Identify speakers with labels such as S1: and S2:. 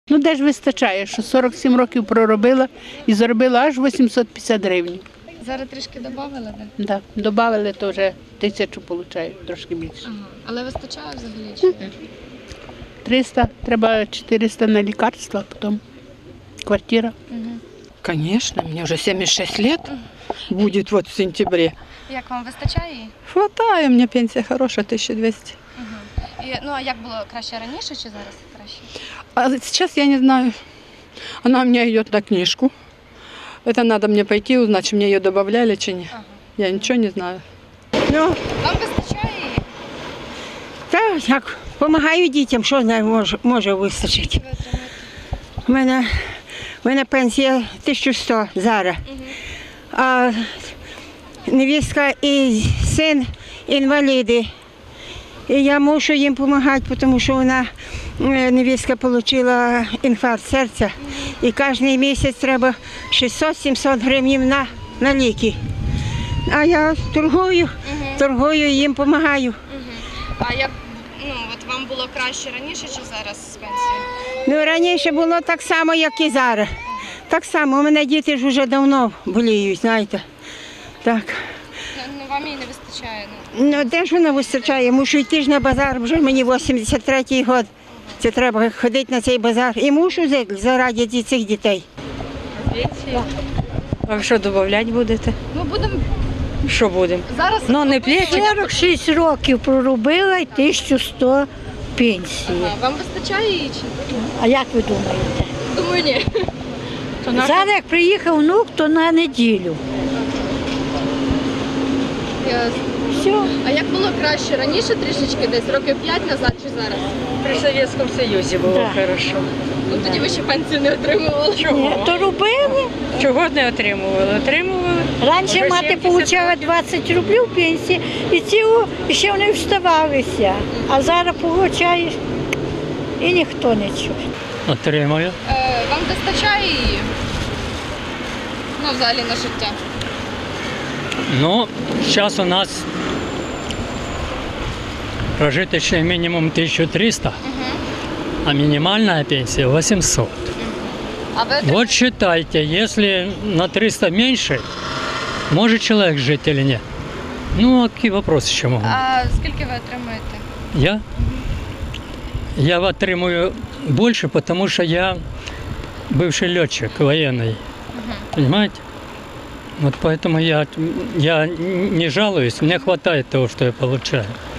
S1: Ну де ж вистачає, що 47 років проробила і заробила аж 850 гривень.
S2: Зараз трішки додали, так?
S1: Да. Добавили, то вже 1000 получаю, трошки більше.
S2: Ага. Але вистачає взагалі чи ні?
S1: 300, треба 400 на лікарства, потім квартира.
S3: Конечно, мне уже 76 лет будет вот в сентябре.
S2: Як вам вистачає її?
S3: Хватает, у меня пенсия хорошая, 1200.
S2: Ну а як було краще раніше чи зараз краще?
S3: А сейчас я не знаю, она у меня идет на книжку. Это надо мне пойти узнать, мне ее добавляли чи нет. Я ничего не знаю.
S4: Ну,
S2: Вам вистачає її?
S4: так, як, допомагаю дітям, що знаю, може вистачити.
S2: Ви отримуєте?
S4: У мене пенсія 1100 зараз. А невістка і син інваліди. І я мушу їм допомагати, тому що невістка отримала інфаркт серця. І кожен місяць треба 600-700 гривень на ліки. А я торгую і їм допомагаю.
S2: А як от вам було краще раніше чи зараз з пенсією?
S4: Ну, раніше було так само, як і зараз. Так само, у мене діти ж вже давно боліють, знаєте. Так.
S2: Ну вам її не вистачає.
S4: Ну, де ж вона вистачає? Мушу йти ж на базар, вже мені 83-й рік. Це треба ходити на цей базар. І мушу заради цих дітей.
S5: А що додавати будете?
S2: Ну будемо
S5: Що будемо?
S2: зараз.
S5: Ну не плечі.
S6: 46 років проробила і 1100 пенсії.
S2: Вам вистачає її чи?
S6: А як ви думаєте?
S2: Думаю, ні.
S6: Зараз як приїхав внук, то на неділю. Все.
S2: А як було краще раніше трішечки, десь років 5 назад чи зараз?
S5: При Совєтському Союзі було
S6: Да.
S5: хорошо.
S2: Ну тоді ви ще пенсію не отримували.
S6: Ні, то робили.
S5: Чого не отримували? Отримували.
S6: Раніше
S5: Вже
S6: мати
S5: 70
S6: отримала 20 рублів пенсії, і ще вони вставалися. А зараз отримуєш і ніхто не чує.
S7: Отримую.
S2: Вам вистачає її? Ну, взагалі на життя.
S7: Ну, зараз у нас прожиточный минимум 1300, а минимальная пенсия 800.
S2: А ви
S7: Вот считайте, если на 300 меньше, может человек жить или нет? Ну, а какие вопросы еще могут?
S2: А скільки ви отримуєте?
S7: Я отримую больше, потому что я бывший летчик военный. Понимаете? Вот поэтому я не жалуюсь, мне хватает того, что я получаю.